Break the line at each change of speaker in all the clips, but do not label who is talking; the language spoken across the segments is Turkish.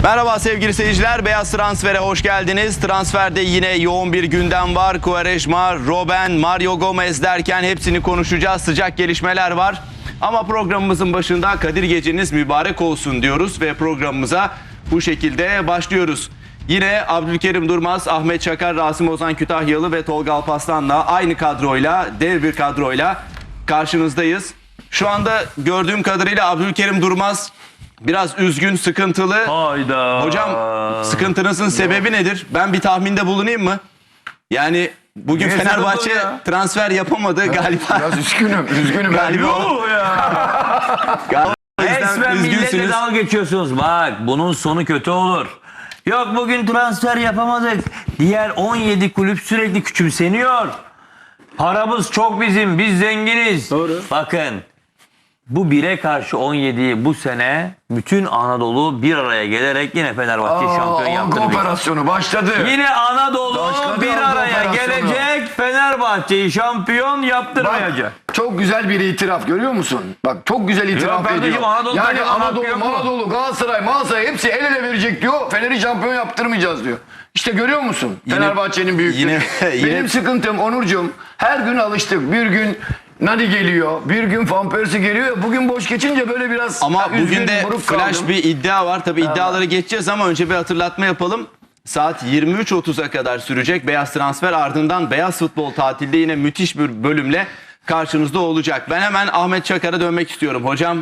Merhaba sevgili seyirciler. Beyaz Transfer'e hoş geldiniz. Transferde yine yoğun bir gündem var. Quaresma, Robben, Mario Gomez derken hepsini konuşacağız. Sıcak gelişmeler var. Ama programımızın başında Kadir Geceniz mübarek olsun diyoruz ve programımıza bu şekilde başlıyoruz. Yine Abdülkerim Durmaz, Ahmet Çakar, Rasim Ozan Kütahyalı ve Tolga Alparslan'la aynı kadroyla, dev bir kadroyla karşınızdayız. Şu anda gördüğüm kadarıyla Abdülkerim Durmaz biraz üzgün, sıkıntılı.
Hayda.
Hocam sıkıntınızın sebebi nedir? Ben bir tahminde bulunayım mı? Yani bugün
Niye
Fenerbahçe
sıkıntılı ya?
transfer yapamadı galiba.
Biraz üzgünüm.
Galiba.
Yuh ya.
Galiba o yüzden
Resmen milletle
üzgünsünüz.
dalga geçiyorsunuz. Bak bunun sonu kötü olur. Yok bugün transfer yapamadık. Diğer 17 kulüp sürekli küçümseniyor. Paramız çok bizim. Biz zenginiz.
Doğru.
Bakın. Bu 1'e karşı 17'yi bu sene bütün Anadolu bir araya gelerek yine Fenerbahçe şampiyon
Algı
yaptıracak.
operasyonu başladı.
Yine Anadolu
Başladı
bir
algı
araya
operasyonu.
gelecek, Fenerbahçe'yi şampiyon yaptırmayacak.
Çok güzel bir itiraf, görüyor musun? Bak çok güzel itiraf
kardeşim,
ediyor.
Anadolu
Yani
takımı hakkı yok mu?
Anadolu, Galatasaray hepsi el ele verecek diyor. Fener'i şampiyon yaptırmayacağız diyor. İşte görüyor musun? Fenerbahçe'nin büyüklüğü.
yine-
Benim sıkıntım Onurcuğum, her gün alıştık. Bir gün Nani geliyor, bir gün Van Persie geliyor. Bugün boş geçince böyle biraz
Ama
üzgün,
bugün de
buruk
flash
kaldım.
bir iddia var. Tabii iddiaları geçeceğiz ama önce bir hatırlatma yapalım. Saat 23.30'a kadar sürecek Beyaz Transfer, ardından Beyaz Futbol tatilde yine müthiş bir bölümle karşınızda olacak. Ben hemen Ahmet Çakar'a dönmek istiyorum. Hocam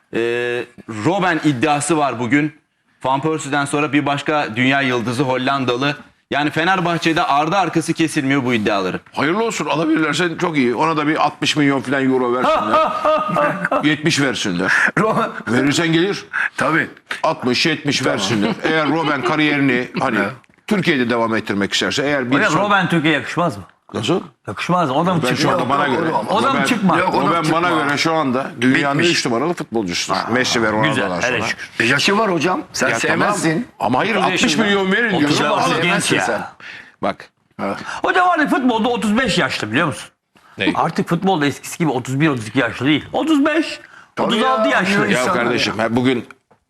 Robben iddiası var bugün. Van Persie'den sonra bir başka dünya yıldızı Hollandalı. Yani Fenerbahçe'de ardı arkası kesilmiyor bu iddiaları.
Hayırlı olsun, alabilirlerse çok iyi. Ona da bir 60 milyon falan euro versinler. 70 versinler. Verirsen gelir.
Tabii.
60-70 versinler. Eğer Robben kariyerini hani Türkiye'de devam ettirmek isterse, eğer bir
Hocam Robben Türkiye'ye yakışmaz mı?
Nasıl?
Yakışmaz. O da mı
Ben şu
çıkmaz?
anda bana göre.
O da mı çıkmaz?
Yok, o da
Robben
çıkmaz.
bana göre şu anda dünyanın
Bitmiş.
3 numaralı futbolcusudur. Messi ve
Güzel.
Ronaldo'dan
Hele
sonra.
şükür.
Yaşı var hocam. Sen
Ya
sevmezsin.
tamam. Ama hayır, 60
yaşında.
milyon verin diyor.
Hocam
var,
genç
sevmezsin
ya.
sen.
Bak.
Hocam artık futbolda 35 yaşlı biliyor musun?
Ne?
Artık futbolda eskisi gibi 31-32 yaşlı değil. 35,
Tabii
36
ya,
yaşlı.
yürü.
Ya
İnsanlar
kardeşim bugün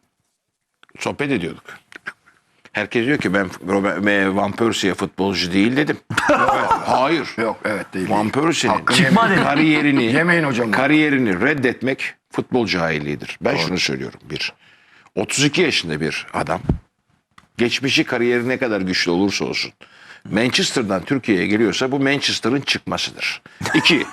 sohbet ediyorduk. Herkes diyor ki ben Van Persie'ye futbolcu değil dedim. Hayır.
Yok, evet değil.
Van Persie'nin
Hakkını
Çıkma
yemeyin.
dedi.
kariyerini
Yemeyin hocam.
kariyerini reddetmek futbol cahilliğidir. Ben şunu söylüyorum. 32 yaşında bir adam, geçmişi kariyeri ne kadar güçlü olursa olsun, Manchester'dan Türkiye'ye geliyorsa bu Manchester'ın çıkmasıdır. 2.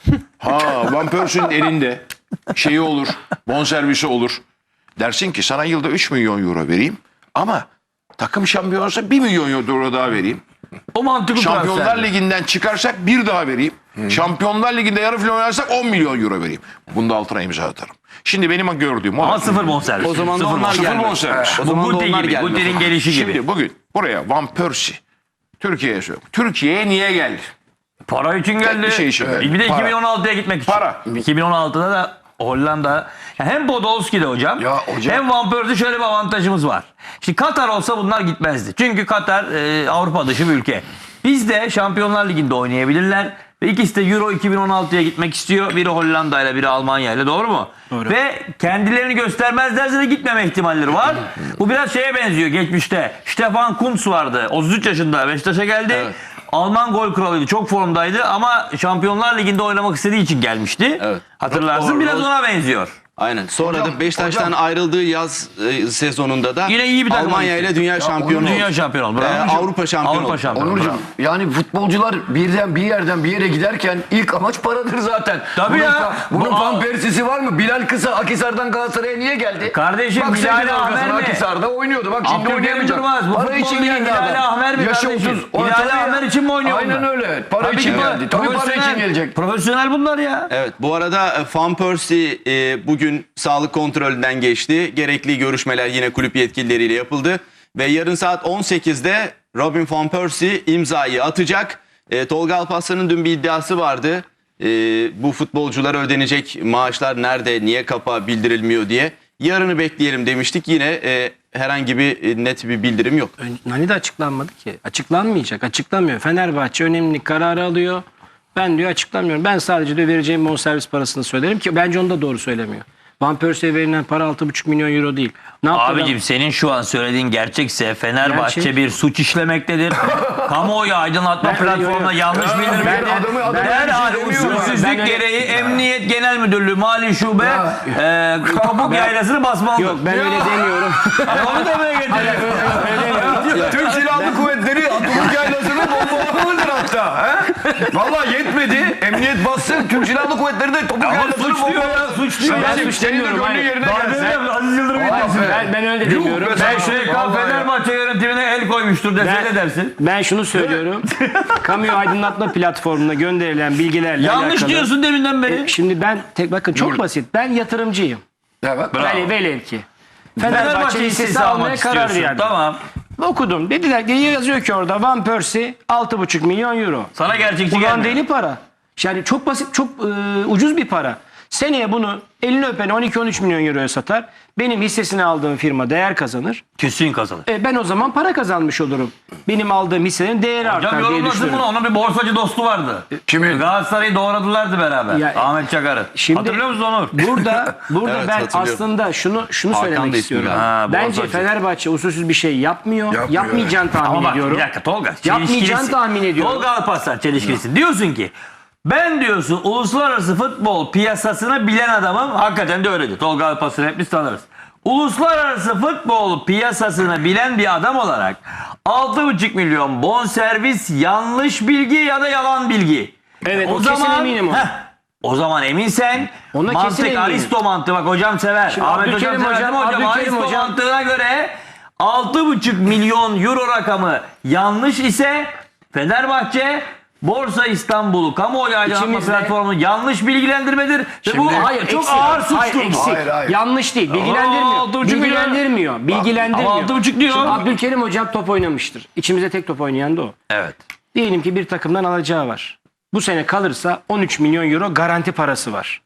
Van Persie'nin elinde şeyi olur, bonservisi olur. Dersin ki sana yılda 3 milyon euro vereyim ama takım şampiyonsa 1 milyon euro daha vereyim.
O mantıklı
Şampiyonlar
transfer.
Ligi'nden çıkarsak bir daha vereyim. Şampiyonlar Ligi'nde yarı final oynarsak 10 milyon euro vereyim. Bunda altına imza atarım. Şimdi benim gördüğüm o.
Ama sıfır bonservis.
O zaman da
Sıfır
onlar
bonservis.
Sıfır
gelmez.
bonservis.
O
Bu
zaman da
Guti
onlar
gibi.
gelmez.
Guti'nin gelişi gibi.
Şimdi bugün buraya Van Persie Türkiye'ye söylüyorum. Türkiye'ye niye geldi?
Para için geldi.
bir şey için geldi.
Bir de
Para.
2016'ya gitmek için.
Para.
2016'da da Hollanda. Yani hem Podolski'de hocam,
Ya hocam.
hem Van Persie şöyle bir avantajımız var. Şimdi Katar olsa bunlar gitmezdi. Çünkü Katar Avrupa dışı bir ülke. Biz de Şampiyonlar Ligi'nde oynayabilirler. Ve ikisi de Euro 2016'ya gitmek istiyor. Biri Hollanda ile biri Almanya ile, doğru mu? Doğru. Ve kendilerini göstermezlerse de gitmeme ihtimalleri var. Bu biraz şeye benziyor geçmişte. Stefan Kuntz vardı. 33 yaşında Beşiktaş'a geldi.
Evet.
Alman gol kralıydı. Çok formdaydı ama Şampiyonlar Ligi'nde oynamak istediği için gelmişti.
Evet.
Hatırlarsın.
Doğru.
Biraz ona benziyor.
Aynen. Sonra
Hocam,
da Beşiktaş'tan
hocam.
ayrıldığı yaz sezonunda da
Yine iyi bir takıma
Almanya
gitti.
ile dünya şampiyonu oldu.
Dünya şampiyonu. Bravo.
Avrupa şampiyonu
Avrupa
oldu.
şampiyonu.
Onurcuğum,
bravo.
yani futbolcular birden bir yerden bir yere giderken ilk amaç paradır zaten.
Tabii
bunun,
ya.
Bunun
Bu-
Van Persie'si var mı? Bilal Kısa Akhisar'dan Galatasaray'a niye geldi?
Kardeşim,
bak,
Bilal
Bilal
Ahmer mi?
Akhisar'da oynuyordu. Bak şimdi
Abdülkerim
oynayamayacak.
Durmaz. Bu
Para
futbol
için
değil,
geldi
Bilal
adam.
Ahmer mi
Yaşı
kardeşim?
30. O
Bilal
tabii ya.
Ahmer için mi oynuyor
Aynen
bunlar?
öyle. Para
Tabii
için
ki
geldi. Tabii para için
profesyonel-
gelecek.
Profesyonel bunlar ya.
Evet, bu arada Van Persie bugün sağlık kontrolünden geçti. Gerekli görüşmeler yine kulüp yetkilileriyle yapıldı. Ve yarın saat 18'de Robin Van Persie imzayı atacak. Tolga Alparslan'ın dün bir iddiası vardı. Bu futbolculara ödenecek maaşlar nerede, niye kapa bildirilmiyor diye. Yarını bekleyelim demiştik. Yine herhangi bir net bir bildirim yok.
Nani de açıklanmadı ki. Açıklanmayacak. Açıklanmıyor. Fenerbahçe önemli kararı alıyor. Ben diyor açıklamıyorum. Ben sadece de vereceğim bonservis parasını söylerim ki bence onu da doğru söylemiyor. Van Persie'ye verilen para 6,5 milyon euro değil. Ne yaptı adam?
Abicim senin şu an söylediğin gerçekse Fenerbahçe
Gerçek.
bir suç işlemektedir. Kamuoyu aydınlatma platformuna yanlış bildirmedir. Derhal usulsüzlük
Ben öyle-
gereği Emniyet Genel Müdürlüğü Mali Şube topuk yaylasını basmalıdır.
Yok ben öyle demiyorum.
Onu demeye getiriyorum.
Türk Silahlı Kuvvetleri Atatürk Yaylası'nı bombalamalıdır hatta. He? Vallahi yetmedi. Emniyet bassın. Türk Silahlı Kuvvetleri de topuk
Ama
yaylasını
suçluyor ya, suçluyor.
Ben
Senin de
suçlamıyorum,
gönlün
hayır.
yerine
Daha
gelse.
ne Aziz Yıldırım yetmesin.
Ben öyle demiyorum.
Ben Şeykan Fenerbahçe yönetimine el koymuştur dese ne dersin?
Ben şunu söylüyorum. Kamuoyu aydınlatma platformuna gönderilen bilgilerle
Yanlış
alakalı.
diyorsun deminden beri.
Şimdi ben bakın çok basit. Ben yatırımcıyım.
Evet.
Velev ki.
Fenerbahçe
Fenerbahçe hissesi almaya karar
istiyorsun.
verdim.
Tamam.
Okudum. Dediler ki yazıyor ki orada Van Persie 6,5 milyon euro.
Sana gerçekçi
Ulan
gelmiyor.
deli para. Yani çok basit, çok ucuz bir para. Seneye bunu elini öpen 12-13 milyon euroya satar. Benim hissesini aldığım firma değer kazanır.
Kesin kazanır.
Ben o zaman para kazanmış olurum. Benim aldığım hisselerin değeri artar
Hocam
diye
yorumlasın
düşünüyorum.
bunu. Onun bir borsacı dostu vardı.
Kimin?
Galatasaray'ı doğradılardı beraber.
Ya,
Ahmet Çakar'ı.
şimdi-
Hatırlıyor musun Onur?
Burada
Evet,
ben
hatırlıyorum.
aslında şunu
Hakan
söylemek
da
istiyorum.
ismi
Ha,
Bence
borsacı.
Fenerbahçe usulsüz bir şey yapmıyor. Yapmayacağını tahmin
Ama bak
ediyorum.
bir dakika Tolga.
Yapmayacağını
çelişkilisin.
tahmin ediyorum.
Tolga Alparslan çelişkilisin. Diyorsun ki ben diyorsun uluslararası futbol piyasasını bilen adamım. Hakikaten de öyledir. Tolga Alparslan'ı hep biz tanırız. Uluslararası futbol piyasasını bilen bir adam olarak 6,5 milyon bonservis yanlış bilgi ya da yalan bilgi.
Evet, o kesin eminim ona.
O zaman eminsen
Ona kesin
mantık
eminim.
Aristo mantığı bak hocam sever.
Şimdi
Ahmet hocam
Abdülkerim
sever değil mi
hocam,
hocam?
Abdülkerim
Aristo
hocam-
mantığına göre 6,5 milyon euro rakamı yanlış ise Fenerbahçe Borsa İstanbul'u kamuoyu aydınlatma
İçimizde-
platformunu yanlış bilgilendirmedir. Ve bu
Hayır,
çok
eksik.
ağır
Hayır,
suçtur.
eksik.
Hayır.
Yanlış değil. Bilgilendirmiyor.
6,5
Bilgilendirmiyor. Bilgilendirmiyor.
Ama 6,5 diyor.
Şimdi Abdülkerim hocam top oynamıştır. İçimize tek top oynayan da o.
Evet.
Diyelim ki bir takımdan alacağı var. Bu sene kalırsa 13 milyon euro garanti parası var.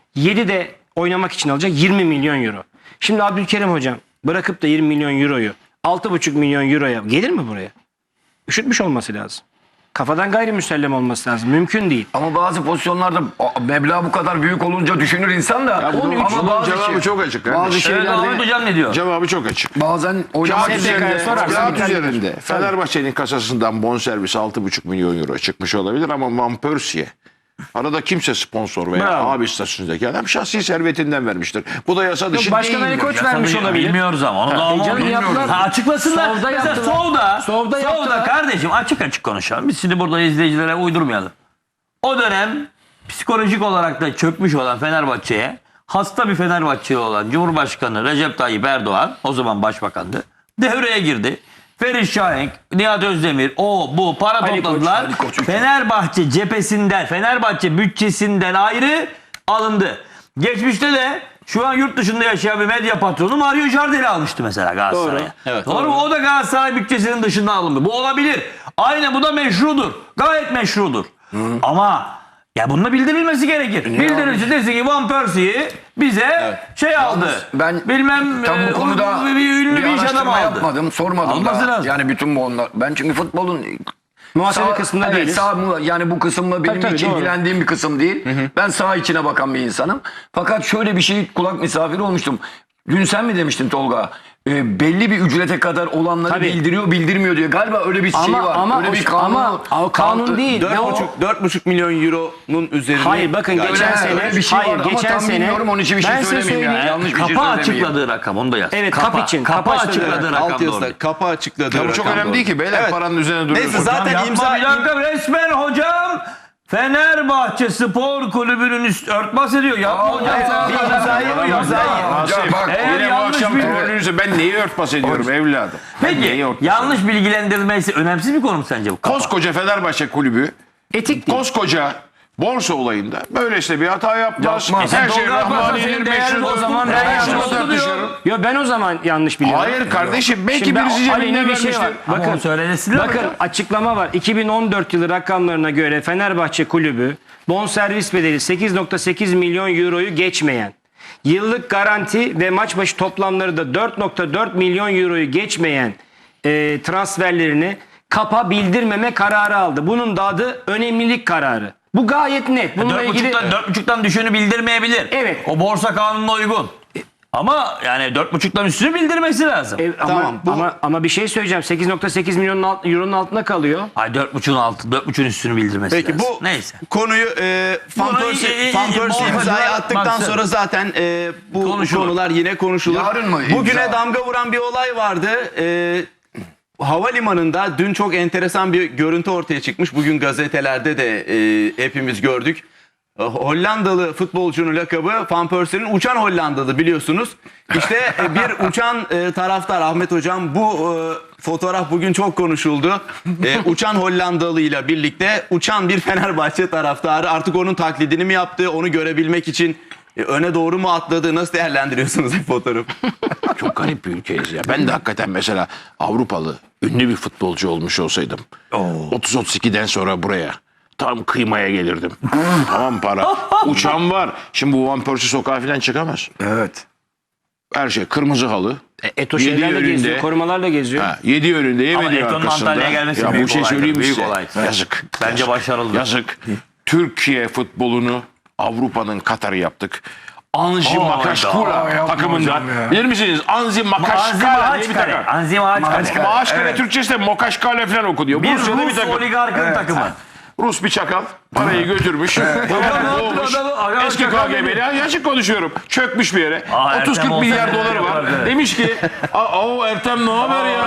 7 de oynamak için alacak 20 milyon euro. Şimdi Abdülkerim hocam bırakıp da 20 milyon euroyu 6,5 milyon euroya gelir mi buraya? Üşütmüş olması lazım. Kafadan gayrimüsellem olması lazım. Mümkün değil.
Ama bazı pozisyonlarda meblağ bu kadar büyük olunca düşünür insan da.
bunun cevabı çok açık kardeşim.
bazı
Evet Ahmet
şeylerde
hocam ne diyor?
Cevabı çok açık.
bazen oynamak
Kağıt
SDK'ya
üzerinde,
sorarsan
kağıt
biter.
üzerinde Fenerbahçe'nin kasasından bonservis 6,5 milyon euro çıkmış olabilir ama Van Persie arada kimse sponsor veya
Bravo.
abi statüsündeki adam şahsi servetinden vermiştir. Bu da yasa dışı
Başkan Ali
değildir.
Koç vermiş
Tabii
olabilir.
Bilmiyoruz ama onu da ama
canım
bilmiyoruz.
yaptılar.
Ha, açıklasınlar.
Sov'da
Mesela
yaptılar.
Sov'da
yaptılar.
kardeşim açık konuşalım. Biz şimdi burada izleyicilere uydurmayalım. O dönem psikolojik olarak da çökmüş olan Fenerbahçe'ye hasta bir Fenerbahçeli olan Cumhurbaşkanı Recep Tayyip Erdoğan o zaman başbakandı. Devreye girdi. Ferit Şahenk, Nihat Özdemir, bu para
Ali Koç,
topladılar.
Ali Koç.
Fenerbahçe cephesinden, Fenerbahçe bütçesinden ayrı alındı. Geçmişte de şu an yurt dışında yaşayan bir medya patronu Mario Jardel'i almıştı mesela Galatasaray'a.
Doğru.
Evet,
Doğru mu? O da Galatasaray bütçesinin dışından alındı. Bu olabilir. Aynen bu da meşrudur. Gayet meşrudur. Ama ya bunun da bildirilmesi gerekir. Bildirilse desin ki Van Persie'yi bize aldı.
Ben
bilmem
tam bu konuda
bir ünlü bir iş
araştırma
adamı aldı.
yapmadım, sormadım
Alması
da.
lazım.
Yani bütün bu onlar. Ben çünkü futbolun
Muhasebe kısmında değiliz.
Yani bu kısımla benim
Tabii,
hiç
doğru.
ilgilendiğim bir kısım değil. Ben saha içine bakan bir insanım. Fakat şöyle bir şey kulak misafiri olmuştum. Dün sen mi demiştin Tolga? Belli bir ücrete kadar olanları
Tabii.
bildiriyor, bildirmiyor diye. Galiba öyle bir şey var. Öyle bir kanun.
ama o kanun değil. Ne o?
4,5 milyon euronun üzerine.
Hayır bakın
galiba.
geçen sene
öyle bir şey
hayır
var ama
geçen
tam
sene
bilmiyorum, onun için bir şey
ben size
söylemeyeyim
söyleyeyim.
yani. Yanlış bir şey
Kapa
söylemeyeyim.
açıkladığı rakam onu da yaz.
Evet, kap için,
Kapa
kapa
açıkladığı rakam
Alt
doğru.
yazıda kapı açıkladığı
Ya bu çok
rakam
önemli
doğru.
değil ki beyler
Evet.
paranın üzerine duruyor.
Neyse zaten
Yapma
imza
bir dakika resmen hocam Fenerbahçe Spor Kulübü'nün örtbas ediyor. Yapma hocam. sen
bir
imzayı
imzayı-
yapma.
Rasim,
bak,
eğer
yine bu
yanlış
akşam
bir-
trollünüzü ben neyi örtbas ediyorum evladım? Ben neyi
Peki
örtbas
yanlış bilgilendirilmesi önemsiz bir konu mu sence bu? Kapa.
Koskoca Fenerbahçe kulübü
Etik değil.
koskoca borsa olayında böylesine bir hata yapmaz.
Yapmaz.
Her şey
Tolga Alparslan
rahmanidir,
senin değerli
meşrudur.
dostun,
o zaman
ben
ben
yanlış
yanlış
tartışıyorum.
Yo ben o zaman yanlış biliyorum.
Hayır kardeşim belki
Şimdi
birisi
aleni
cebinden
bir şey var.
vermiştir.
Ama
Bakın
onu söylesinler
bakın
hocam.
açıklama var. 2014 yılı rakamlarına göre Fenerbahçe kulübü bonservis bedeli 8,8 milyon euroyu geçmeyen, yıllık garanti ve maç başı toplamları da 4,4 milyon euroyu geçmeyen transferlerini kapa bildirmeme kararı aldı. Bunun da adı önemlilik kararı. Bu gayet net. Bununla ilgili
4.5'tan düşüğünü bildirmeyebilir.
Evet.
O borsa kanununa uygun. Ama yani 4.5'tan üstünü bildirmesi lazım.
Tamam,
ama bir şey söyleyeceğim. 8.8 milyon euronun altında kalıyor.
Ay 4.5'un altı, 4.5'un üstünü bildirmesi
Peki
lazım.
bu
Neyse.
konuyu Van
Bunu
Persie imzayı
bankacılar
attıktan
baksın.
sonra zaten bu
Konuşulur.
konular yine konuşulur.
Yarın mı imza?
Bugüne damga vuran bir olay vardı. Havalimanında dün çok enteresan bir görüntü ortaya çıkmış. Bugün gazetelerde de hepimiz gördük. Hollandalı futbolcunun lakabı Van Persie'nin uçan Hollandalı biliyorsunuz. İşte bir uçan taraftar Ahmet Hocam bu fotoğraf bugün çok konuşuldu. Uçan Hollandalı ile birlikte uçan bir Fenerbahçe taraftarı artık onun taklidini mi yaptı onu görebilmek için öne doğru mu atladı nasıl değerlendiriyorsunuz bu fotoğrafı?
Çok garip bir ülkeyiz ya. Ben de hakikaten mesela Avrupalı ünlü bir futbolcu olmuş olsaydım 30-32'den sonra buraya tam kıymaya gelirdim. Tamam para. Uçağım var. Şimdi bu Van Persie sokağa falan çıkamaz.
Evet.
Her şey kırmızı halı.
Eto
Yedi
şeylerle
önünde.
geziyor, korumalarla geziyor.
Ha, yedi önünde
Ama
yemediği
Eto'nun
arkasında.
Antalya'ya gelmesi
Ya
büyük
bu şey
olaydır,
söyleyeyim mi
büyük
size?
olay.
Yazık.
Bence
Yazık.
başarılı.
Yazık. Türkiye futbolunu Avrupa'nın Katar'ı yaptık. Anzi Makaşkula takımından. Bilir misiniz? Anzi Makaşkala diye bir takım.
Anzim Ağaçkale.
Maaşkale Türkçesi de Mokaşkale falan okunuyor.
Bir
Bursa'da bir
Rus
takım.
oligarkın takımı.
Rus bir çakal parayı götürmüş. Boğmuş. Eski KGB'li yazık konuşuyorum. Çökmüş bir yere.
Ertem
30-40
olsa
milyar
neler
doları var.
yapardı?
Demiş ki Ertem ne haber ya?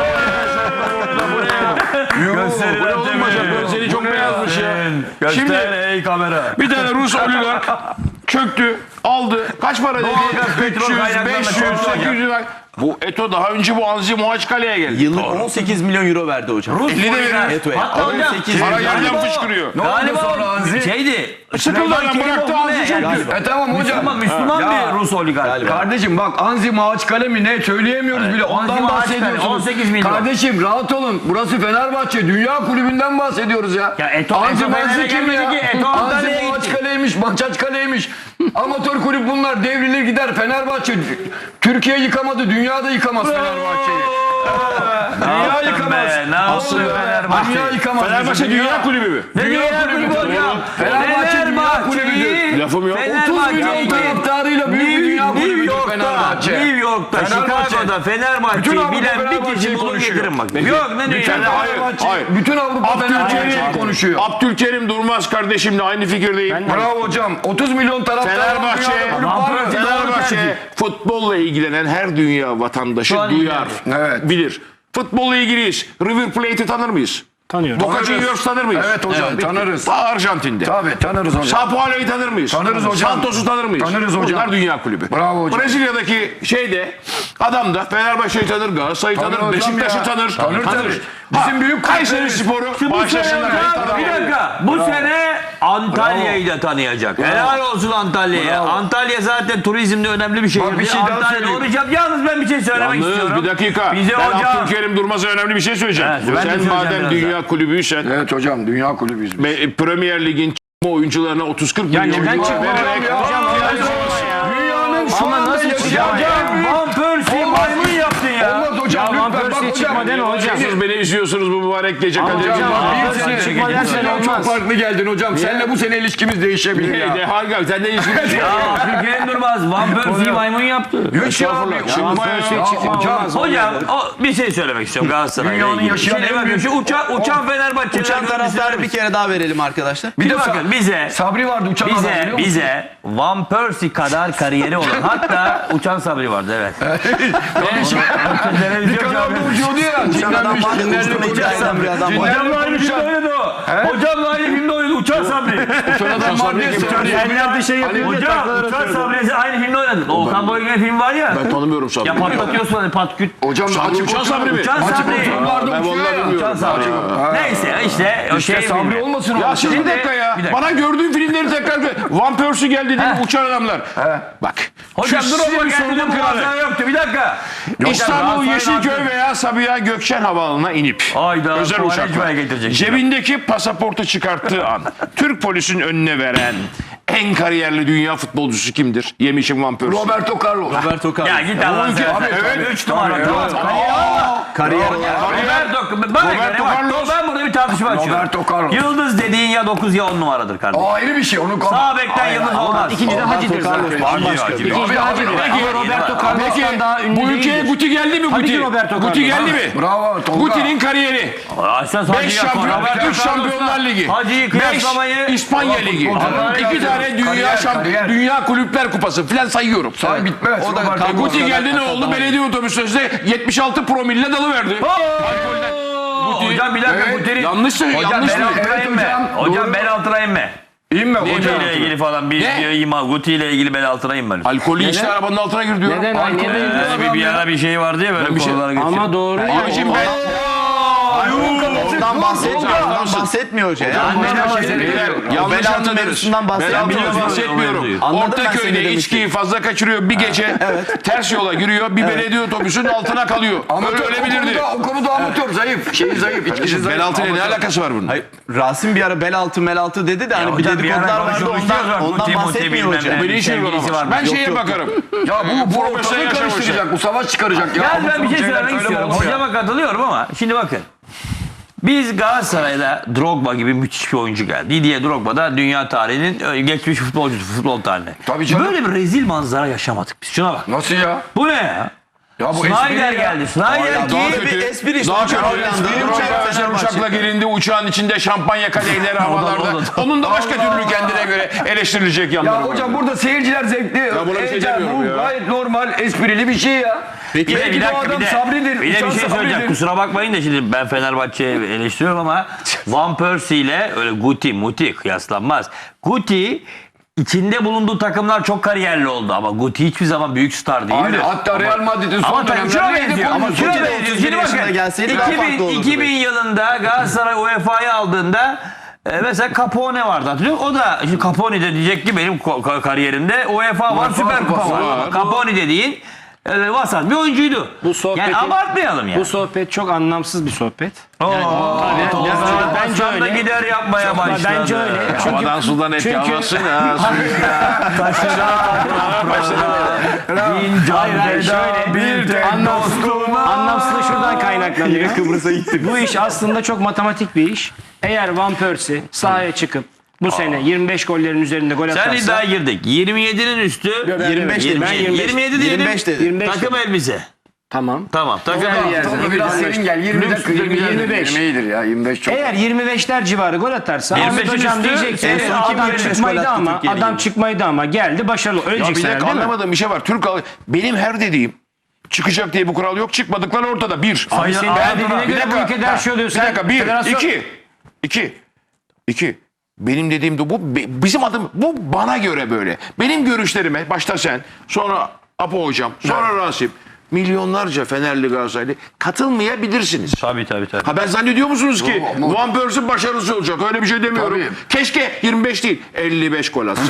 Bu ne oğlum bacak? Seni çok beyazmış ya. Şimdi
ey kamera.
bir tane Rus oligark çöktü, aldı. Kaç para dedi?
Doğalgaz, petrol
300,
kaynaklarına
500,
çöktü hocam.
800 lira. Bu Eto daha önce bu Anzi Mohaçkale'ye geldi.
Yıllık 18 milyon euro verdi hocam.
Rus
50 de
oligark.
veriyor.
Eto'ya.
Hatta hocam.
18
Para
milyon.
yerden fışkırıyor.
Galiba
sonra
o
Anzi?
şeydi.
Sıkıldı adam, bıraktı, Anzi çöktü.
Galiba.
Tamam hocam.
Müslüman
Ya,
bir Rus oligark.
Kardeşim bak Anzi Maaçkale mi ne söyleyemiyoruz bile ondan
Anzi Maaçkale,
bahsediyorsunuz.
18 milyon.
Kardeşim rahat olun. Burası Fenerbahçe Dünya Kulübü'nden bahsediyoruz ya.
Ya Eto
Anzi
Fener'e
Maaçkale kim ya?
gelmedi ki, Eto
Anzi
Antalya'ya gitti.
Maaçkale'ymiş, Maçaçkale'ymiş. Amatör kulüp bunlar devrilir gider. Fenerbahçe Türkiye yıkamadı, dünyada yıkamaz Fenerbahçe'yi. Dünya yıkamaz.
Ne yaptın Fenerbahçe?
Dünya yıkamaz.
Fenerbahçe Dünya Kulübü mü?
Dünya kulübü hocam.
Fenerbahçe Dünya Kulübü'dür.
Lafım yok.
30 milyon taraftarıyla büyük bir dünya kulübüdür Fenerbahçe.
New York'ta,
Fenerbahçe.
Chicago'da Fenerbahçe'yi
Bütün
bilen
Avrupa
bir kişi
Fenerbahçe'yi
bunu
konuşuyor.
getirin bak. Yok ne
Bütün
diyor?
Fenerbahçe,
hayır.
bütün Avrupa Fenerbahçe'yi konuşuyor.
Abdülkerim Durmaz kardeşimle aynı fikirdeyim.
Bravo hocam. 30 milyon taraftar.
Fenerbahçe, Fenerbahçe futbolla ilgilenen her dünya vatandaşı
Şu an
duyar,
Evet.
bilir. Futbolla ilgiliyiz. River Plate'i tanır mıyız?
Tanıyorum.
Boca Juniors tanır mıyız?
Evet hocam,
bitti.
tanırız.
Ta Arjantin'de.
Tabii tanırız hocam.
Sao Paulo'yu tanır mıyız?
Tanırız hocam.
Santos'u tanır mıyız?
Tanırız hocam.
Bunlar dünya kulübü.
Bravo hocam.
Brezilya'daki şeyde adam da Fenerbahçe'yi tanır, Galatasaray'ı
Tanır
tanır,
hocam
Beşiktaş'ı
ya.
tanır.
Tanır tabii. Bizim büyük
Kayseri
kulüplerimiz.
Spor'u
Bu sene
bağışlasınlar.
hocam, bir dakika. Bu sene Antalya'yı da tanıyacak. Helal olsun Antalya'ya.
Bravo.
Antalya zaten turizmde önemli bir şehir.
bir şey daha
Antalya'da
söyleyeyim.
olacağım. Yalnız ben bir şey söylemek istiyorum.
Yalnız bir dakika.
Bize
Ben
hocam.
Abdülkerim Durmaz'a önemli bir şey söyleyeceğim.
Evet, ben de
Sen
söyleyeceğim
madem
birazdan.
dünya kulübüysen
Evet hocam dünya kulübüyüz.
Premier Lig'in oyuncularına 30-40 milyon
neden
euro
çıkmadı
vererek
Dünyanın şu
Ama
anda
nasıl
yaşayan
çıkar ya?
en büyük-
Van Persie maymun yaptın ya.
Olmaz hocam
Ya Van
lütfen bak
Persie
hocam.
çıkma deme hocam.
Siz beni izliyorsunuz bu mübarek gece
Hocam
kaderinde.
bir sene
çıkma dersen
sen çok
olmaz.
farklı geldin hocam. Seninle bu sene ilişkimiz değişebilir ya.
Harika. Sen de ilişkiniz
Ya Abdülkerim Durmaz Van Persie'yi maymun yaptı.
Hiç ya abi.
Çıkma ya.
Hocam.
Hocam bir şey söylemek istiyorum Galatasaray'la
Dünyanın
ilgili.
yaşayan
Şimdi
en
bakın
büyük-
şu uçan Fenerbahçe.
Uçan taraftarı bir kere daha verelim arkadaşlar.
Bir de
bakın bize
Sabri vardı uçan adam biliyor musun?
bize Van Persie kadar kariyeri olan hatta uçan Sabri vardı evet.
Bir kanalda uçuyordu ya.
Uçan adam var.
Cinlerle
Uçan
uçan.
bir adam var.
Hocamla aynı filmde oynadı o. Hocamla aynı filmde oynadı uçan Sabri.
Uçan adam var diye söylüyor.
Yerlerde şey yapıyor.
Hocam uçan Sabri aynı filmde oynadı. Okan Bayülgen film var ya.
Ben tanımıyorum Sabri'yi.
Ya patlatıyorsun hani patküt.
Hocam
Sabri uçan Sabri mi?
Uçan Sabri.
vardı
Ben
uçuyor
vallahi
ya.
bilmiyorum.
Uçan Sabri. Neyse işte o
İşte
şey
Sabri
filmi.
olmasın
Ya
o.
şimdi bir dakika ya.
bir dakika.
Bana gördüğün filmleri tekrar Van Persie geldi değil mi? Uçan adamlar. Bak.
Hocam
şu
dur
size
o
bir
geldiğinde
sorunun
bu
kralı.
bazen yoktu. Bir dakika.
İstanbul Yeşilköy veya Sabiha Gökçen Havaalanı'na inip
Hayda,
özel
Quaresma'ya
uçakla
getirecek.
cebindeki pasaportu çıkarttığı an Türk polisin önüne veren en kariyerli dünya futbolcusu kimdir? Yemişim Van Persie.
Roberto Carlos.
Roberto
Ya
Carlos.
git Allah'ın
Abi,
seversen.
evet.
3 numara.
Tabii,
Tamam.
evet.
Kariyer.
Kariyer.
Roberto. Bana göre
Roberto
bak.
Carlos.
Ben burada bir tartışma açıyorum.
Roberto Carlos.
Yıldız dediğin ya 9 ya 10 numaradır kardeşim.
O ayrı bir şey. Onu
Sağ bekten yıldız olmaz.
İkinci de Hacı'dır zaten.
Hacı.
İkinci de Hacı'dır. Ama Roberto Carlos'tan daha ünlü
Bu ülkeye
değildir.
Guti geldi mi
Tabii
Guti?
ki Roberto
Guti
Carlos.
geldi mi?
Bravo Tolga.
Guti'nin kariyeri.
Esas
5
Hacı'ya
şampiyon,
Roberto
3 Şampiyonlar Ligi.
Hacı'yı
5
kıyaslamayı
İspanya Ligi.
Futbolcu.
2 tane
Kariyer.
Dünya Kulüpler Kupası filan sayıyorum.
Say bitmez.
O da
Roberto
Carlos.
Carlos.
Guti geldi ne oldu? Belediye otobüsünde 76 promille dalıverdi.
Hocam bir dakika
Evet,
Guti'nin.
Yanlış söylüyor.
Hocam
Yanlış
bel
söylüyor.
altına
Evet
inme.
hocam,
Hocam
doğru.
bel altına inme.
İnme
Guti
hocam.
ile ilgili falan bir ima. Guti ile ilgili bel altına inme.
Alkolü içti arabanın altına girdi diyorum.
Neden? Ay, neden?
Bir ara bir şey vardı ya böyle
bir şey-
konulara geçiyor.
Ama doğru.
Abiciğim ben...
Ondan bahsetmiyor. Ondan bahsetmiyor hoca ya.
Yanlış
Bel altı
anladınız.
mevzusundan bahsetmiyorum.
Ben
Biliyorum,
bahsetmiyorum.
Anladım ben seni
Ortaköy'de
demek
içkiyi fazla kaçırıyor bir gece. Ters yola giriyor. Bir belediye otobüsünün altına kalıyor.
Amatör,
Öyle ölebilirdi.
O konuda amatör zayıf. Şeyi zayıf. İçkisi zayıf.
Bel altıyla ne
Amatör.
alakası var bunun?
Hayır, Rasim bir ara bel altı dedi de hani bir
hocam bir ara
dedikodular vardı
konuşuyoruz,
ondan
Guti,
bahsetmiyor
bilmem
hoca.
ne.
Beni işe
sevgilisi
yaramaz.
varmış.
Ben
Yok,
şeye
yok.
bakarım.
Ya bu
Profesyonel
ortalığı
yaşam
karıştıracak. Bu savaş çıkaracak.
Ya ben bir şey
Şeyler
söylemek istiyorum.
olur ya.
Hocama katılıyorum ama şimdi bakın. Biz Galatasaray'da Drogba gibi müthiş bir oyuncu geldi. Didier Drogba da dünya tarihinin geçmiş futbolcusu, futbol tarihine.
Tabii canım.
Böyle bir rezil manzara yaşamadık biz. Şuna bak.
Nasıl ya?
Bu ne ya?
Ya bu
Snyder
espri ya.
geldi. Snyder
Daha
ki
bir espri işte.
Daha
Uçak
kötü.
Hollanda,
Benim
uçak Fenerbahçe.
uçakla gelindi uçağın içinde şampanya kadehleri havalarda. Onun da başka türlü kendine göre eleştirilecek yanları
Ya
var.
hocam burada seyirciler zevkli.
buna bir şey demiyorum
bu
ya.
gayet normal, esprili bir şey ya.
bir de
Belki
bir
de o
dakika
adam
bir de,
sabridir.
bir de
uçan
bir şey söyleyeceğim.
sabridir.
Kusura bakmayın da şimdi ben Fenerbahçe'yi eleştiriyorum ama Van Persie ile öyle Muti kıyaslanmaz. Guti içinde bulunduğu takımlar çok kariyerli oldu ama Guti hiçbir zaman büyük star değildi.
Aynen, hatta Real Madrid'in son
Ama tabii şuna
dönemlerinde
benziyor.
Ama
Şuna
Guti de
benziyor.
31
Şimdi
yaşında
bakın,
gelseydi daha farklı olurdu
2000 yılında Galatasaray UEFA'yı aldığında mesela Capone vardı hatırlıyor musun? O da şimdi Capone de diyecek ki benim kariyerimde UEFA var,
UEFA
Süper Kupa
Kupası
var.
var.
Capone dediğin vasat bir oyuncuydu.
Bu sohbeti,
Yani abartmayalım yani.
Bu sohbet çok anlamsız bir sohbet.
Bence öyle. Gider yapmaya başladı.
Bence öyle.
Havadan sudan et yağmasın ha.
Hayır şöyle bir anlamsızlığı şuradan kaynaklanıyor.
Kıbrıs'a gittim.
Bu iş aslında çok matematik bir iş. Eğer Van Persie sahaya çıkıp bu sene 25 gollerin üzerinde gol
Sen
atarsa
iddiaya girdik. 27'nin üstü.
25 dedim.
Ben
27 diyelim.
25 dedim.
25
Takım elbise.
tamam.
Tamam. Takım elbise.
Tolga biraz senin gel. 20 dakika
25.
20 iyidir ya. 25 çok.
Eğer 25'ler civarı gol atarsa
25'in
Ahmet Hocam
üstü,
diyecek ki
en son
adam
2025 gol
çıkmaydı
attı
ama
Türkiye
adam
Ligi'nde.
çıkmaydı ama geldi başarılı. Öyle
Ya bir
diyecekler
dakika
değil mi?
anlamadığım bir şey var. Benim her dediğim çıkacak diye bu kural yok. Çıkmadıklar ortada. Bir.
Abi senin her dediğine
Bir
göre bu
dakika,
ülkede her şey oluyor.
Bir dakika. Bir.
Federasyon-
İki. Benim dediğim de bu. Bizim adım bu bana göre böyle. Benim görüşlerime başta sen, sonra Apo hocam, sonra Rasim. Milyonlarca Fenerli Galatasaraylı katılmayabilirsiniz.
Tabii.
Ha ben zannediyor musunuz ki
Ama-
Van Persie başarısız olacak? Öyle bir şey demiyorum.
Tabii.
Keşke 25 değil 55 gol atsa.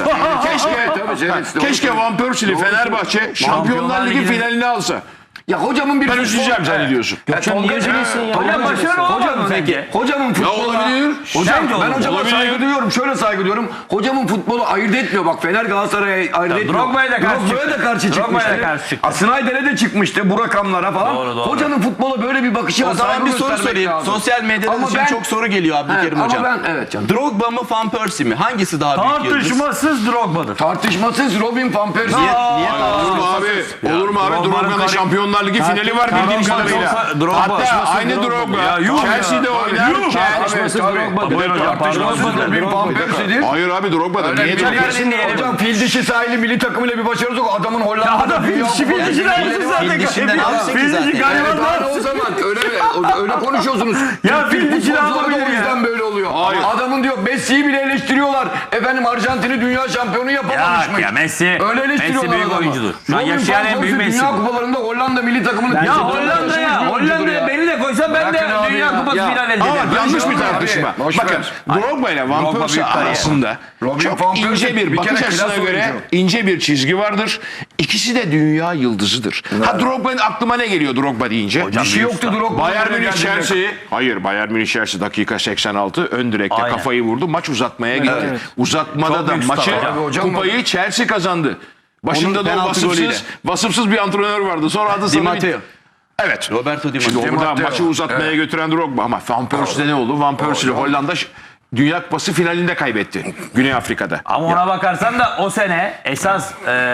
Keşke Van Persie'li Fenerbahçe Şampiyonlar Ligi finalini alsa.
Ya hocamın bir
Ben üzüleceğim zannediyorsun.
Hocam niye üzülüyorsun ya?
Hocam başarılı olmadı mı peki?
Hocamın futbolu
olabilir.
Hocam
Sence
ben
olur.
hocama
Olabilir.
saygı duyuyorum. Şöyle saygı duyuyorum. Hocamın futbolu ayırt etmiyor. Bak Fener Galatasaray'a ayırt etmiyor.
Drogba'ya da karşı
Drogba'ya da karşı
çıktı.
çıkmıştı.
Drogba'ya da karşı çıktı.
Snyder'e de çıkmıştı bu rakamlara falan.
Doğru.
Hocanın futbola böyle bir bakışı var.
O zaman
saygı
bir soru
göstermek
sorayım.
lazım.
Sosyal medyada
Ama
şimdi
ben-
çok soru geliyor Abdülkerim
Ama
hocam.
ben evet canım.
Drogba mı Van Persie mi? Hangisi daha büyük yıldız?
Tartışmasız Drogba'dır.
Tartışmasız Robin Van Persie.
Niye
Olur mu abi? Olur mu abi? Drogba'nın Şampiyonlar Ligi finali var bildiğim kadarıyla. Hatta aynı Drogba Chelsea'de oynar.
Tartışmasız Drogba.
Buyurun hocam.
Tartışmasız Robin Van Persie'dir.
Hayır abi Drogba'da.
Öyle
Niye
bir
Drogba?
hocam fil dişi sahili milli takımıyla bir başarısı yok. Adamın Hollanda'da
Fil dişi zaten.
Fil dişinden alsın ki zaten.
O zaman öyle konuşuyorsunuz.
Ya fil dişini
Futbolcular da
alabilir
o
ya.
yüzden böyle oluyor.
Hayır.
Adamın diyor Messi'yi bile eleştiriyorlar. Efendim Arjantin'i dünya şampiyonu yapamamışmış.
Ya Messi.
Öyle eleştiriyorlar
Messi büyük
adamı.
oyuncudur. Şu an
Robin
yaşayan
Van
en büyük
Persie
Messi.
Dünya kupalarında Hollanda milli takımını...
Ya Hollanda'ya beni de koysan ben de
Bırakın abi
Dünya
ya.
Kupası
Ya.
final elde
Ama
ederim.
yanlış bir
Abi,
tartışma.
boş
Bakın
ver.
Drogba ile Van
Drogba
Persie
büyük kariyer.
arasında
Robin
çok
Van
ince
Persie
bir
bir
bakış
kere
açısına
klas
göre
oyuncu.
ince bir çizgi vardır. İkisi de dünya yıldızıdır. Ha Drogba'nın aklıma ne geliyor Drogba deyince?
Bir şey yoktu Drogba.
Bayern Münih Chelsea. Hayır Bayern Münih Chelsea dakika 86 ön direkte
Aynen.
kafayı vurdu. Maç uzatmaya gitti.
Evet.
Uzatmada
Çok
da
büyük
maçı
star hocam.
Hocam
kupayı Chelsea kazandı. Başında
Onun
da o
penaltı golüyle.
vasıfsız bir antrenör vardı. Sonra adı
Di
sana
Matteo.
Evet.
Roberto Di
Şimdi
Matteo.
orada maçı uzatmaya götüren Drogba ama Van Persie'de ne oldu? Van Persie Hollanda Dünya Kupası finalinde kaybetti. Güney Afrika'da.
Ama ona bakarsan da o sene esas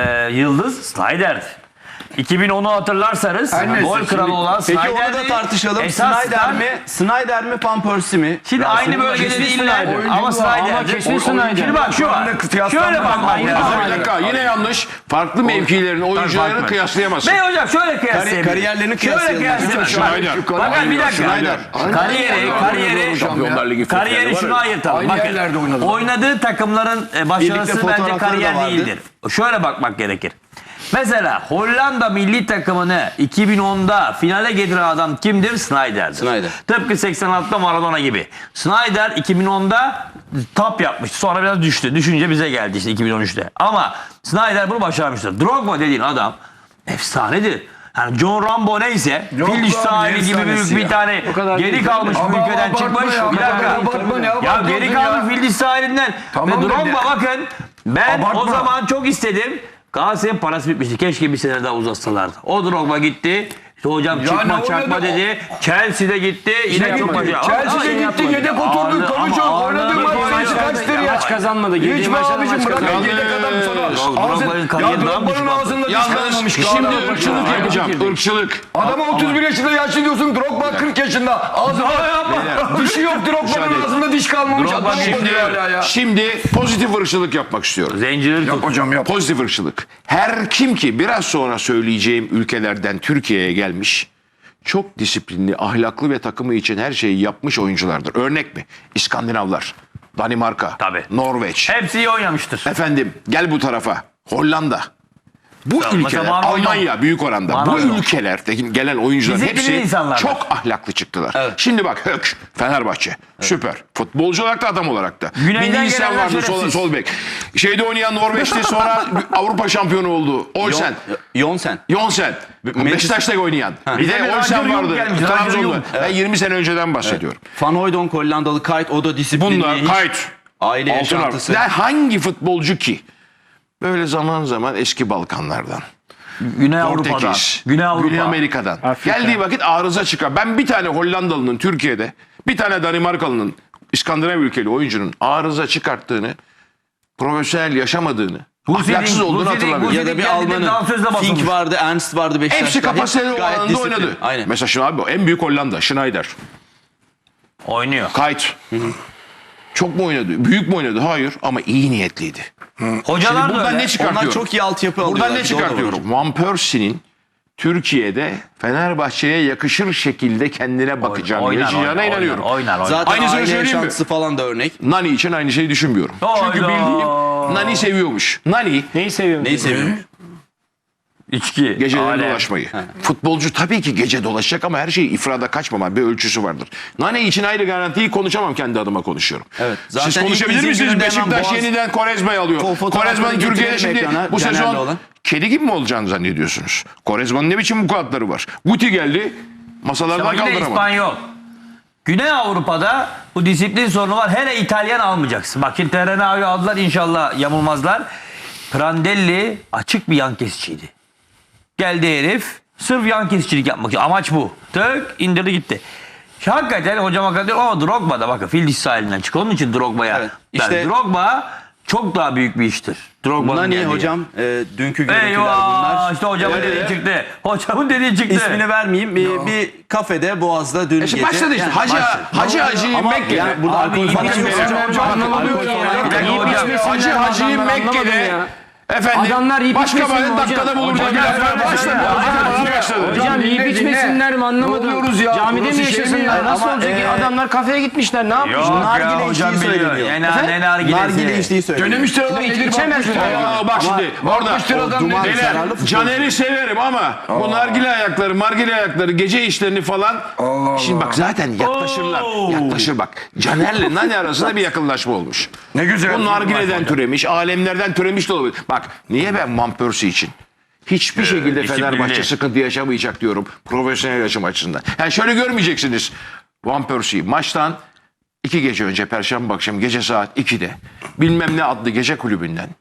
yıldız Snyder'di. 2010'u hatırlarsanız gol kralı olan
Peki
Snyder'di.
onu da tartışalım.
Esas
Snyder mi Van Persie mi?
Şimdi aynı bölgede
kesin
değiller
Snyder.
ama
Ama
Snyder'di.
kesin Snyder.
Şimdi bak şu var. Şöyle bakmak
Bir
lazım.
dakika yine yanlış. Farklı mevkilerin oyuncularını
farklı.
kıyaslayamazsın.
Bey hocam şöyle kıyaslayabiliriz.
Kariyerlerini
Şöyle
kıyaslayalım.
kıyaslayabiliriz.
Schneider.
Bakın bir dakika.
Schneider.
Kariyeri
Şampiyonlar Ligi
kariyeri şuna ayırtalım.
Aynı
Bakın,
yerlerde oynadı.
oynadığı takımların başarısı bence
fotoğrafları da
kariyer
vardı.
değildir. Şöyle bakmak gerekir. Mesela Hollanda milli takımını 2010'da finale getiren adam kimdir? Snyder'dir.
Snyder.
Tıpkı 86'da Maradona gibi. Snyder 2010'da tap yapmıştı. Sonra biraz düştü. Düşünce bize geldi işte 2013'te. Ama Snyder bunu başarmıştır. Drogba dediğin adam efsanedir. Yani John Rambo neyse fil dişi sahibi gibi büyük bir tane geri kalmış bir ülkeden çıkmış. Bir dakika. Ya geri kalmış fil dişi sahibinden. Ve Drogba bakın ben o zaman çok istedim. Galatasaray'ın parası bitmişti. Keşke bir sene daha uzatsalardı. O Drogba gitti. İşte hocam çıkma
ne
çakma
oynadı
dedi. Chelsea'de gitti. Yine çok başarılı.
Chelsea'de gitti yedek oturdu konuşuyor. Oynadığı maç sayısı kaçtır ya?
Maç kazanmadı.
Hiç
Girdiği
be
maçta
abicim
maç
bırak
kazanmadı.
yedek adam sana.
Drogba'nın kariyeri daha mı
Drogba'nın
düşük?
ağzında diş
Yalnız
kalmamış.
şimdi ırkçılık yapacağım. Irkçılık.
Adama 31 yaşında yaşlı diyorsun. Drogba 40 yaşında. Ağzında dişi yok Drogba'nın ağzında diş kalmamış.
Drogba
Adam
şimdi-
oluyor hala ya.
Şimdi pozitif ırkçılık yapmak istiyorum.
Zencileri tut.
Hocam yap.
Pozitif ırkçılık. Her kim ki biraz sonra söyleyeceğim ülkelerden Türkiye'ye gelmiş, çok disiplinli, ahlaklı ve takımı için her şeyi yapmış oyunculardır. Örnek mi? İskandinavlar, Danimarka,
Tabii.
Norveç.
Hepsi iyi oynamıştır.
Efendim gel bu tarafa. Hollanda. Bu
Mesela
ülkeler,
Van Hooydonk.
Almanya büyük oranda.
Van
Bu
Hooydonk.
ülkelerdeki gelen oyuncuların
Disiplinli
hepsi
insanlardır.
çok ahlaklı çıktılar. Şimdi bak Hök, Fenerbahçe. Süper. Futbolcu olarak da adam olarak da.
Güneyden
Bir Nielsen
gelenler
vardı
şerefsiz.
sol bek. Şeyde oynayan Norveç'te sonra Avrupa şampiyonu oldu. Olsen.
Jonsen.
Jonsen. Beşiktaş'ta oynayan. Bir
Bize
de
bir
Olsen
Roger Jung
vardı.
gelmiş, Roger
Trabzon'da.
Jung.
Ben 20 sene önceden bahsediyorum.
Van Hooydonk Hollandalı Kayt o da disiplinli.
Bunlar
hiç
kayıt.
Aile
Altın
yaşantısı.
harf. Hangi futbolcu ki böyle zaman zaman eski Balkanlardan,
Güney Avrupa'dan.
Portekiz,
Güney Avrupa.
Güney Amerika'dan
Afrika.
geldiği vakit arıza çıkar. Ben bir tane Hollandalı'nın Türkiye'de, bir tane Danimarkalı'nın İskandinav ülkeli oyuncunun arıza çıkarttığını, profesyonel yaşamadığını, ahlaksız olduğunu hatırlamıyorum.
Ya da bir
Geldiğinde dansözle
Alman'ın
basılmış.
Fink vardı, Ernst vardı Beşiktaş'ta.
Hepsi kapasiteli
Gayet
olanında
disiplin.
oynadı.
Aynen.
Mesela şimdi abi en büyük Hollanda, Schneider,
Oynuyor.
Kayt. Çok mu oynadı? Büyük mü oynadı? Hayır ama iyi niyetliydi.
Hocalar da
Buradan
öyle.
ne çıkartıyorum?
Onlar çok iyi altyapı alıyorlar.
Buradan ne çıkartıyorum? Van Persie'nin Türkiye'de Fenerbahçe'ye yakışır şekilde kendine bakacağını, yaşayacağına inanıyorum.
Oynar.
Zaten
Aynısını
aile
söyleyeyim mi?
yaşantısı falan da örnek.
Nani için aynı şeyi düşünmüyorum. Çünkü
Hayda.
bildiğim Nani seviyormuş. Nani
Neyi seviyorum?
Neyi seviyorum?
İçki.
geceleri
alem.
dolaşmayı. Futbolcu tabii ki gece dolaşacak ama her şey ifrada kaçmama bir ölçüsü vardır. Nani için ayrı garantiyi konuşamam, kendi adıma konuşuyorum.
Evet.
Siz
Zaten
konuşabilir
ilk
misiniz?
izin gününde hemen
Beşiktaş
Boğaz-
yeniden Quaresma'yı alıyor.
O fotoğrafları
Quaresma'nın Türkiye'de
getirelim
şimdi
ekrana,
bu
Caner'le
sezon
olan.
kedi gibi mi olacağını zannediyorsunuz? Quaresma'nın ne biçim bu kadları var? Guti geldi masalardan
Ama yine
kaldıramadı.
İspanyol. Güney Avrupa'da bu disiplin sorunu var. Hele İtalyan almayacaksın. Bak şimdi Terena'yı aldılar, inşallah yamulmazlar. Prandelli açık bir yan kesiciydi. Geldi herif sırf yan kesicilik yapmak için. Amaç bu. Tık indirdi gitti. Hakikaten hocam hakikaten ama Drogba da bakın fil dişi sahilinden çık. Onun için Drogba'ya.
Evet,
İşte
işte-
Drogba çok daha büyük bir iştir. Drogba'nın
Nani
geldiği.
hocam dünkü görüntüler
Eyvah
bunlar.
işte hocamın
Evet.
dediği çıktı. Hocamın dediği çıktı.
İsmini vermeyeyim. Bir kafede Boğaz'da dün gece.
Başladı işte. Hacı
Ama
Mekke.
yani burada
Abi,
alkol
iyi
falan
bir
yok.
şey
Hocam,
hocam, anlamadım
alkol
ya.
falan yok.
Bir dakika
Yiyip
hocam.
içmesinler mi?
Hacı
Adamlar
Mekke'de
anlamadım ya.
efendim
Adamlar yiyip
başka
içmesin mi
bir
hocam?
dakikada bulur diye bir
Hocam,
laf var. Başladı.
Hocam yiyip içmesinler mi anlamadım.
Ne oluyoruz ya?
Camide mi
Burası şey mi
yaşasınlar?
ya?
Nasıl
Ama,
olacak ki? Adamlar kafeye gitmişler. Ne yapmışlar?
Yok
Nargile
ya hocam
içtiği
biliyor.
söyleniyor.
Ne nargilesi.
Nargile içtiği söyleniyor.
Dönemiştir adam nedir
içemezler.
Bak şimdi orada
bakmıştır adam
duman
nedir?
zararlı
Beyler
futbolcu.
Caner'i severim ama bu nargile ayakları, margile ayakları, gece işlerini falan. Şimdi bak zaten yaklaşırlar.
Oo.
Yaklaşır bak. Caner'le Nani arasında bir yakınlaşma olmuş.
Ne güzel.
Bu nargileden türemiş, alemlerden türemiş de olabilir. Bak niye ben Van Persie için hiçbir şekilde
disiplinli.
Fenerbahçe sıkıntı yaşamayacak diyorum profesyonel yaşam açısından. Yani şöyle görmeyeceksiniz Van Persie'yi maçtan 2 gece önce Perşembe akşam gece saat 2'de bilmem ne adlı gece kulübünden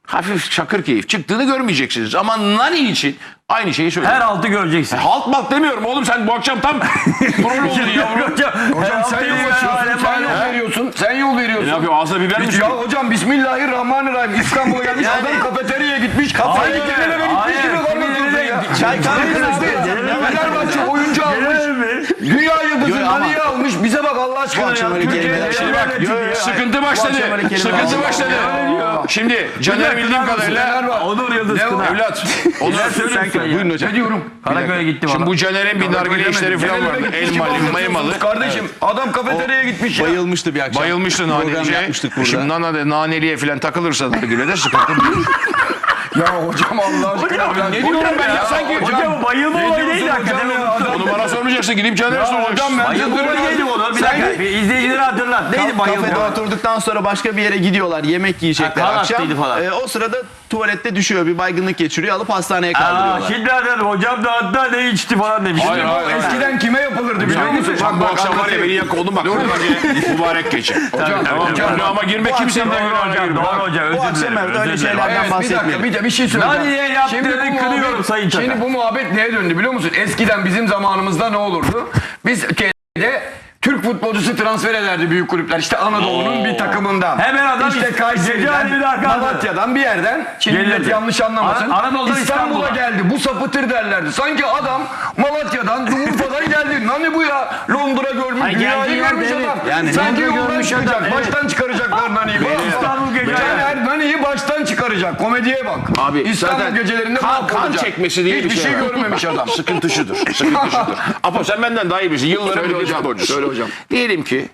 hafif çakır keyif çıktığını görmeyeceksiniz. Ama Nani için aynı şeyi söylüyorum.
Her altı göreceksin.
Halt bak demiyorum oğlum, sen bu akşam tam troll oldun yavrum.
Hocam sen yol açıyorsun, sen yol veriyorsun. Sen yol veriyorsun.
Ne yapıyor, ağzına biber mi
Ya
sürüyor?
hocam Bismillahirrahmanirrahim. İstanbul'a gelmiş adam kafeteryaya gitmiş. Kafayı kendine gitmiş gibi anlatıyorsun ya.
Çay kahve
Fenerbahçe oyuncu almış. Dünya yıldızı Nani'yi almış. Bize bak Allah aşkına
akşam
ya.
öyle
Türkiye'de
kelimeler-
Şimdi bak sıkıntı başladı. Sıkıntı başladı. Şimdi Caner bildiğim kadarıyla
Onur Yıldız
Ne o?
Kınar.
evlat. Onu
Buyurun hocam.
Ne diyorum?
Karaköy'e gitti
Şimdi
valla.
bu Caner'in bir nargile işleri falan var. Elmalı, maymalı.
Kardeşim adam kafeteryaya gitmiş ya.
Bayılmıştı bir akşam.
Bayılmıştı
Program
naneliye.
yapmıştık burada.
Şimdi naneliye falan takılırsa nargilede sıkıntı büyür.
Ya hocam Allah aşkına.
Ne diyorum ben ya sanki?
Hocam bayılma olayı neydi hakikaten?
Onu bana sormayacaksın, gidip Caner'e soracaksın.
Bayılma olayı neydi onu? Bir dakika. Bir izleyicileri hatırlat. Neydi
Kafede
bayılma?
oturduktan sonra başka bir yere gidiyorlar. Yemek yiyecekler
Ha, kan
akşam.
attıydı falan.
O sırada tuvalette düşüyor. Bir baygınlık geçiriyor. Alıp hastaneye kaldırıyorlar.
Şimdi nereden hocam da hatta ne içti falan demiş.
Hayır, hayır, hayır.
Eskiden kime yapılırdı biliyor musun?
Bak bu akşam var ya beni yak oğlum bak. Mübarek gece. Hocam ama girme kimsenin de günahına girme.
Doğru hocam
Bu
özür
akşam
dilerim.
evet öyle
özür dilerim.
şeylerden
Evet, bir dakika
bahsetmeyelim.
bir şey söyleyeceğim.
Nani'ye yaptığını kınıyorum Sayın Çakar.
Şimdi bu muhabbet neye döndü biliyor musun? Eskiden bizim zamanımızda ne olurdu? Biz Türkiye'de Türk futbolcusu transfer ederdi büyük kulüpler. İşte Anadolu'nun bir takımından.
Hemen adam
işte
Gece
Kayseri'den,
halinde arkandı.
Malatya'dan bir yerden. Şimdi
Gelirdi.
millet yanlış anlamasın.
Anadolu'dan
İstanbul'a
İstanbul'a.
geldi. Bu sapıtır derlerdi. Sanki adam Malatya'dan, Urfa'dan geldi. Nani bu ya? Londra görmüş,
Ay,
dünyayı
geldiği
görmüş
yerde
adam.
Yani
Sanki
Londra
yoldan
görmüş
çıkacak.
adam,
Baştan çıkaracaklar Nani'yi.
İstanbul gece
Caner Nani'yi baştan çıkaracak. Komediye bak.
Abi
İstanbul
zaten
gecelerinde
kan
mahvolacak.
çekmesi diye
Hiçbir şey görmemiş adam.
Sıkıntı şudur. Sıkıntı şudur. Apo sen benden daha iyi bilirsin. Yılların
Söyle
milli
hocam,
futbolcusu.
söyle hocam.
Diyelim ki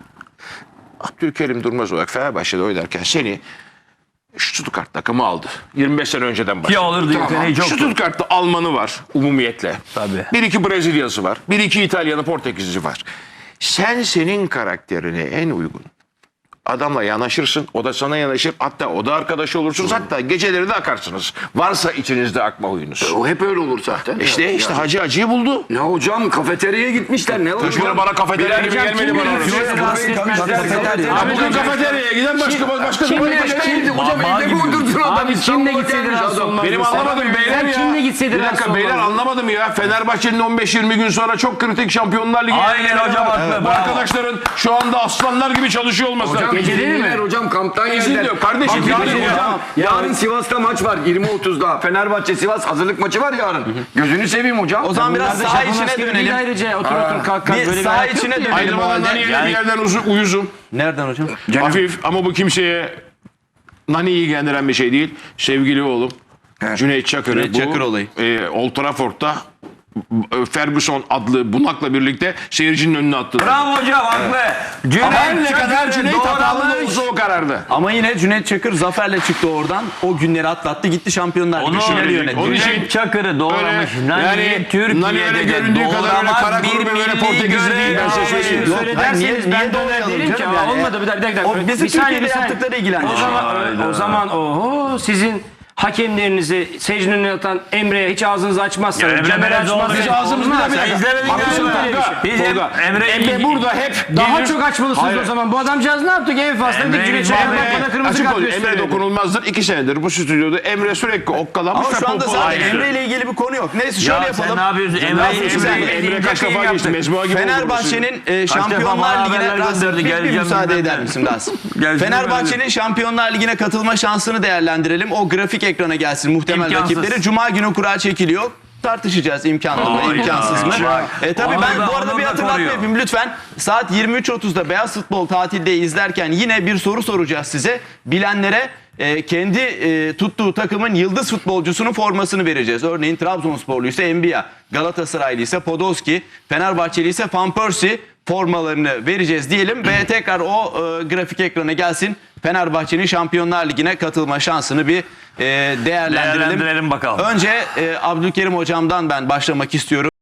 Abdülkerim Durmaz olarak Fenerbahçe'de oynarken seni Stuttgart takımı aldı. 25 sene önceden
Ya
başladı.
olurdu yeteneği çok.
Stuttgart'ta Almanı var umumiyetle.
Tabii.
Bir iki Brezilyalısı var. Bir iki İtalyanı, Portekizli var. Sen senin karakterine en uygun adamla yanaşırsın. O da sana yanaşır. Hatta o da arkadaş olursunuz. Hatta geceleri de akarsınız. Varsa içinizde akma huyunuz.
O hep öyle olur zaten.
İşte Hacı Hacı'yı buldu.
Ne hocam kafeteryaya gitmişler. Ne
Çocuklar bana kafeterya gibi gelmedi bana. Bugün kafeteryaya giden başka
Hocam evde mi oturtun adam?
Abi kim de
İstanbul'a
gitseydi
gelmiş
rahatsız
adam.
olmaz.
Benim anlamadım beyler
Sen
ya.
kimle gitseydi
Bir dakika
rahatsız
beyler
olmaz.
anlamadım ya. Fenerbahçe'nin 15-20 gün sonra çok kritik Şampiyonlar Ligi.
Aynen hocam, haklı.
Bu
Bravo.
arkadaşların şu anda aslanlar gibi çalışıyor olması lazım.
Gece değil mi? Hocam kamptan
İzin
geldiler.
diyor kardeşim,
Bak, yarın
izin diyor.
hocam, yarın Sivas'ta maç var 20.30'da. Fenerbahçe Sivas hazırlık maçı var yarın. Gözünü seveyim hocam.
O zaman biraz
Bunlar da
saha
şampiyonlar
içine
gibi
dönelim.
değil ayrıca otur otur kalk kalk
Bir
böyle bir
saha
hayat yok
içine
ki.
dönelim.
Aynı zamanda
halde.
Nani'ye bir yerden uyuzum.
Nereden hocam?
Hafif ama bu kimseye Nani'yi ilgilendiren bir şey değil. Sevgili oğlum Cüneyt Çakır'ı
Cüneyt Çakır olayı.
Old Trafford'da Ferguson adlı bunakla birlikte seyircinin önüne attı.
Bravo hocam haklı.
Her ne kadar
Çakır'ı
Cüneyt hatalı da
doğramış.
olsa o karardı.
Ama yine Cüneyt Çakır zaferle çıktı oradan. O günleri atlattı. Gitti Şampiyonlar Ligi
Onu
finali yönetti.
Onun için-
Cüneyt Çakır'ı doğramış.
Öyle,
Nani
yani
Türkiye'de
Nani öyle
de
göründüğü kadar öyle
doğramaz
kara kuru
bir
ve böyle
milli
Portekizli değil, ben size
görev.
söyleyeyim.
Yok,
Öyle
hayır, niye
derseniz ben de
doğrayalım
derim ki
canım
"Aa,
yani?"
olmadı bir dakika.
O bizi
Bir saniye,
Türkiye'de
bir saniye.
yaptıkları ilgilendiriyor.
O zaman oho sizin hakemlerinizi secdinin önüne atan Emre'ye hiç ağzınızı açmazsanız,
Ya Emre
Cemal'e
Belezoğlu
açmazsanız.
biz
ağzımızı
olmaz.
da
Sen izlemedin
Haklısın
galiba.
Tolga.
Bizim
Tolga.
Emre
Emre burada hep
Daha
gelir.
çok açmalısınız
Hayır.
o zaman. Bu adamcağız ne yaptı ki en fazla?
Emre
Dik Cüneyt
biz
Çakır
Emre-
bak bana kırmızı
Açık
kart
ol. Emre
gösteriyor.
dokunulmazdır. 2 senedir bu stüdyoda Emre sürekli okkalamış.
Ama şu anda zaten
Hayır.
Emre ile ilgili bir konu yok. Neyse şöyle
Ya
yapalım.
sen ne yapıyorsun?
Emre kaç defa geçti. Mezmua gibi oldu
Fenerbahçe'nin
defa
Şampiyonlar
bana
Ligi'ne
haberler
Rasim,
gönderdi,
bir
geleceğim
müsaade
bilmem
eder
ne.
misin Rasim?
Geleceğim
Fenerbahçe'nin Şampiyonlar Ligi'ne katılma şansını değerlendirelim. O grafik ekrana gelsin muhtemel
İmkansız.
rakipleri. Cuma günü kura çekiliyor. Tartışacağız imkanlı mı,
Hayda.
imkansız mı? Tabii
Onu
ben
da-
bu arada
onu
bir
da
hatırlatma
koruyor.
yapayım lütfen. Saat 23.30'da Beyaz Futbol tatilde izlerken yine bir soru soracağız size. Bilenlere kendi tuttuğu takımın yıldız futbolcusunun formasını vereceğiz. Örneğin Trabzonsporlu ise Enbiya, Galatasaraylı ise Podolski, Fenerbahçeli ise Van Persie formalarını vereceğiz diyelim ve tekrar o grafik ekrana gelsin. Fenerbahçe'nin Şampiyonlar Ligi'ne katılma şansını bir değerlendirelim.
Değerlendirelim bakalım.
Önce Abdülkerim hocamdan ben başlamak istiyorum.